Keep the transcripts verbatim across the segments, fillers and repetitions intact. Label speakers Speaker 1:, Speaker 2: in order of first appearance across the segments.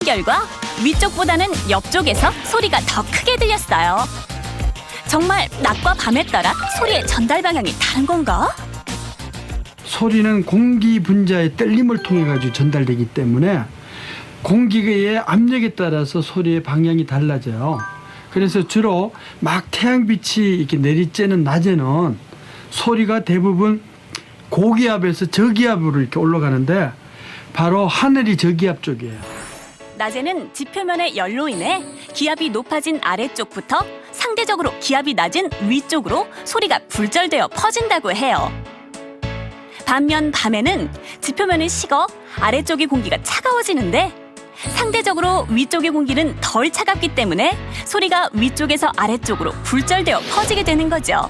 Speaker 1: 결과 위쪽보다는 옆쪽에서 소리가 더 크게 들렸어요. 정말 낮과 밤에 따라 소리의 전달 방향이 다른 건가?
Speaker 2: 소리는 공기 분자의 떨림을 통해 가지고 전달되기 때문에 공기의 압력에 따라서 소리의 방향이 달라져요. 그래서 주로 막 태양빛이 이렇게 내리쬐는 낮에는 소리가 대부분 고기압에서 저기압으로 이렇게 올라가는데 바로 하늘이 저기압 쪽이에요.
Speaker 1: 낮에는 지표면의 열로 인해 기압이 높아진 아래쪽부터 상대적으로 기압이 낮은 위쪽으로 소리가 굴절되어 퍼진다고 해요. 반면 밤에는 지표면이 식어 아래쪽의 공기가 차가워지는데 상대적으로 위쪽의 공기는 덜 차갑기 때문에 소리가 위쪽에서 아래쪽으로 굴절되어 퍼지게 되는 거죠.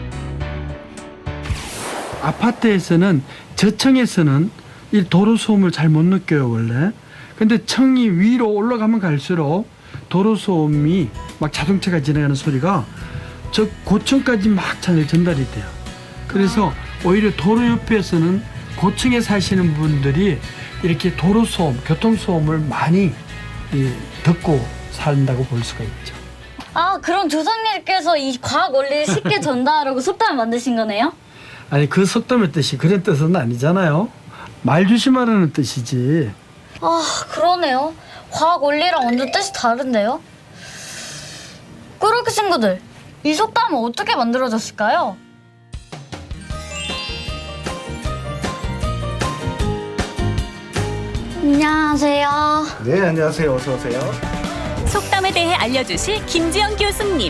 Speaker 2: 아파트에서는 저층에서는 이 도로 소음을 잘 못 느껴요 원래. 근데 층이 위로 올라가면 갈수록 도로 소음이 막 자동차가 지나가는 소리가 저 고층까지 막 잘 전달이 돼요. 그래서 오히려 도로 옆에서는 고층에 사시는 분들이 이렇게 도로 소음, 교통 소음을 많이 이, 듣고 산다고 볼 수가 있죠.
Speaker 3: 아, 그럼 조상님께서 이 과학 원리를 쉽게 전달하려고 속담을 만드신 거네요?
Speaker 2: 아니 그 속담의 뜻이 그런 뜻은 아니잖아요. 말 조심하라는 뜻이지.
Speaker 3: 아, 그러네요. 과학 원리랑 완전 뜻이 다른데요? 꾸러기 친구들, 이 속담은 어떻게 만들어졌을까요? 안녕하세요.
Speaker 4: 네, 안녕하세요. 어서 오세요.
Speaker 1: 속담에 대해 알려주실 김지영 교수님.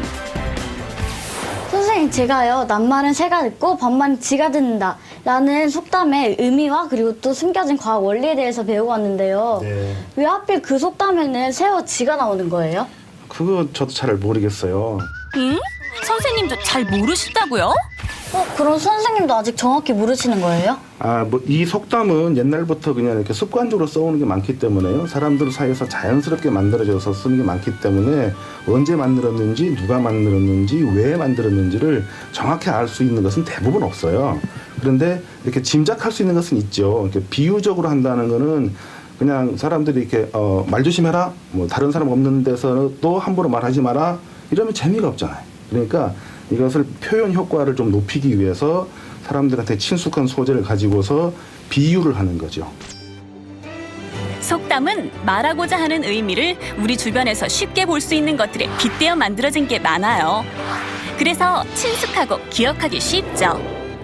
Speaker 3: 선생님, 제가요, 낱말은 새가 듣고 반말은 쥐가 듣는다 라는 속담의 의미와 그리고 또 숨겨진 과학 원리에 대해서 배우고 왔는데요.
Speaker 4: 네.
Speaker 3: 왜 하필 그 속담에는 새와 쥐가 나오는 거예요?
Speaker 4: 그거 저도 잘 모르겠어요.
Speaker 1: 응? 선생님도 잘 모르시다고요?
Speaker 3: 어, 그럼 선생님도 아직 정확히 모르시는 거예요?
Speaker 4: 아, 뭐 이 속담은 옛날부터 그냥 이렇게 습관적으로 써오는 게 많기 때문에요. 사람들 사이에서 자연스럽게 만들어져서 쓰는 게 많기 때문에 언제 만들었는지, 누가 만들었는지, 왜 만들었는지를 정확히 알 수 있는 것은 대부분 없어요. 그런데 이렇게 짐작할 수 있는 것은 있죠. 이렇게 비유적으로 한다는 거는 그냥 사람들이 이렇게 어, 말 조심해라, 뭐 다른 사람 없는 데서도 함부로 말하지 마라 이러면 재미가 없잖아요. 그러니까 이것을 표현 효과를 좀 높이기 위해서 사람들한테 친숙한 소재를 가지고서 비유를 하는 거죠.
Speaker 1: 속담은 말하고자 하는 의미를 우리 주변에서 쉽게 볼 수 있는 것들에 빗대어 만들어진 게 많아요. 그래서 친숙하고 기억하기 쉽죠.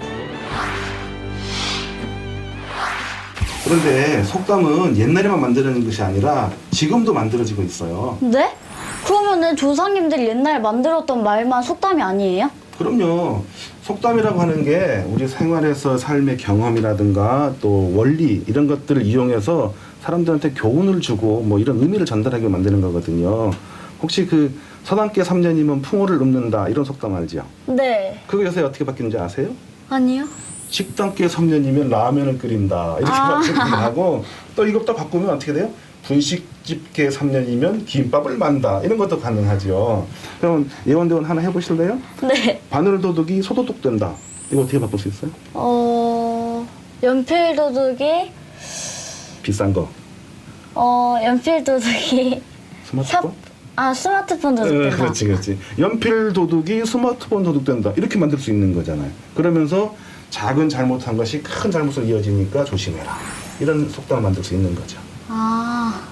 Speaker 4: 그런데 속담은 옛날에만 만들어진 것이 아니라 지금도 만들어지고 있어요.
Speaker 3: 네? 그러면은 조상님들이 옛날에 만들었던 말만 속담이 아니에요?
Speaker 4: 그럼요. 속담이라고 하는 게 우리 생활에서 삶의 경험이라든가 또 원리 이런 것들을 이용해서 사람들한테 교훈을 주고 뭐 이런 의미를 전달하게 만드는 거거든요. 혹시 그 서당계 삼 년이면 풍어를 읊는다 이런 속담 알죠?
Speaker 3: 네.
Speaker 4: 그거 요새 어떻게 바뀌는지 아세요?
Speaker 3: 아니요.
Speaker 4: 식당계 삼 년이면 라면을 끓인다 이렇게
Speaker 3: 아.
Speaker 4: 바뀌기도 하고 또 이것도 바꾸면 어떻게 돼요? 분식집계 삼 년이면 김밥을 만다 이런 것도 가능하죠. 그럼 예원대원 하나 해보실래요?
Speaker 3: 네.
Speaker 4: 바늘도둑이 소도둑 된다. 이거 어떻게 바꿀 수 있어요?
Speaker 3: 어, 연필도둑이,
Speaker 4: 비싼 거.
Speaker 3: 어, 연필도둑이,
Speaker 4: 스마트폰?
Speaker 3: 아, 스마트폰 도둑
Speaker 4: 어,
Speaker 3: 된다.
Speaker 4: 그렇지, 그렇지. 연필 도둑이 스마트폰 도둑 된다. 이렇게 만들 수 있는 거잖아요. 그러면서 작은 잘못한 것이 큰 잘못으로 이어지니까 조심해라. 이런 속담을 만들 수 있는 거죠.
Speaker 3: 아,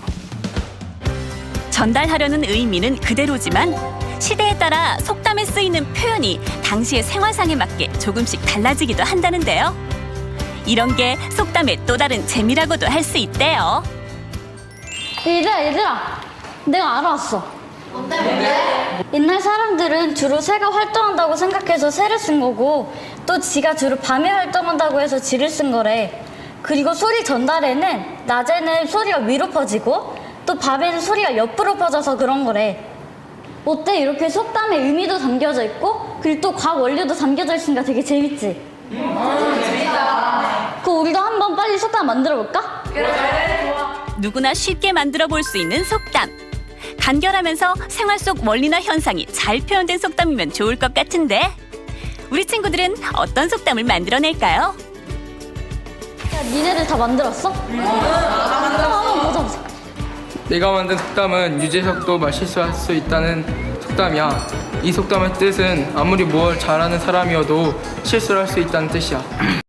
Speaker 1: 전달하려는 의미는 그대로지만 시대에 따라 속담에 쓰이는 표현이 당시의 생활상에 맞게 조금씩 달라지기도 한다는데요. 이런 게 속담의 또 다른 재미라고도 할 수 있대요.
Speaker 3: 얘들아, 얘들아. 내가 알아왔어. 뭔데, 뭔데? 옛날 사람들은 주로 새가 활동한다고 생각해서 새를 쓴 거고 또 쥐가 주로 밤에 활동한다고 해서 쥐를 쓴 거래. 그리고 소리 전달에는 낮에는 소리가 위로 퍼지고 또 밤에는 소리가 옆으로 퍼져서 그런 거래. 어때? 이렇게 속담의 의미도 담겨져 있고 그리고 또 과학 원리도 담겨져 있으니까 되게 재밌지? 음, 재밌다. 그럼 우리도 한번 빨리 속담 만들어 볼까?
Speaker 1: 누구나 쉽게 만들어 볼 수 있는 속담. 간결하면서 생활 속 원리나 현상이 잘 표현된 속담이면 좋을 것 같은데 우리 친구들은 어떤 속담을 만들어낼까요?
Speaker 3: 야, 니네들 다 만들었어? 응. 한번 보자 보자.
Speaker 5: 내가 만든 속담은 유재석도 말실수할 수 있다는 속담이야. 이 속담의 뜻은 아무리 뭘 잘하는 사람이어도 실수를 할 수 있다는 뜻이야.